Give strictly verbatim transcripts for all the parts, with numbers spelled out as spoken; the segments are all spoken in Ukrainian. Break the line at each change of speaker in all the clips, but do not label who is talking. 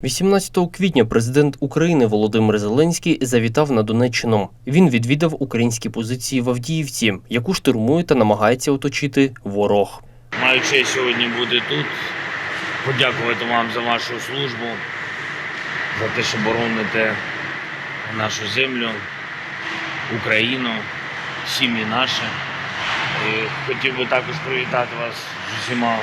вісімнадцятого квітня президент України Володимир Зеленський завітав на Донеччину. Він відвідав українські позиції в Авдіївці, яку штурмує та намагається оточити ворог.
Маю честь сьогодні бути тут, подякувати вам за вашу службу, за те, що бороните нашу землю, Україну, сім'ї наші. І хотів би також привітати вас з усіма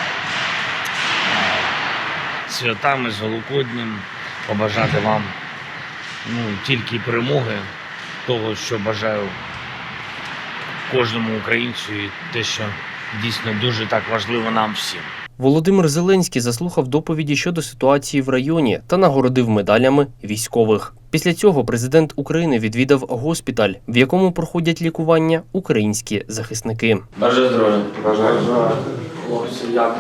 святами, з Великоднем, побажати вам ну, тільки перемоги, того, що бажаю кожному українцю і те, що дійсно дуже так важливо нам всім.
Володимир Зеленський заслухав доповіді щодо ситуації в районі та нагородив медалями військових. Після цього президент України відвідав госпіталь, в якому проходять лікування українські захисники.
Бажаю здоров'я.
Бажаю здоров'я.
Хлопці, як?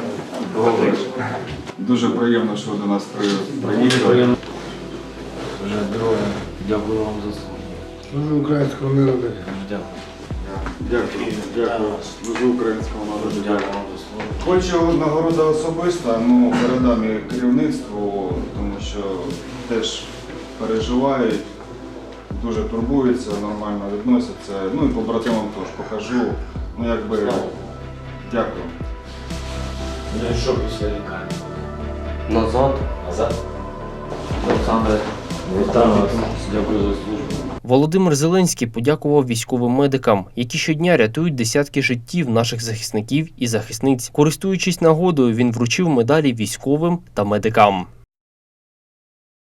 Дуже приємно, що ви до нас приїхали.
Бажаю здоров'я. Дякую вам за службу.
Служу українському народу.
Дякую.
Дякую. Дякую. Служу українському народу.
Дякую вам за службу.
Хочу нагорода особиста, ну передам її керівництву, тому що теж переживають, дуже турбуються, нормально відносяться. Ну і побратимам теж покажу. Ну якби дякую.
Ну і що після лікарні?
Назад.
Назад. Олександре, вітаю вас. Дякую за службу.
Володимир Зеленський подякував військовим медикам, які щодня рятують десятки життів наших захисників і захисниць. Користуючись нагодою, він вручив медалі військовим та медикам.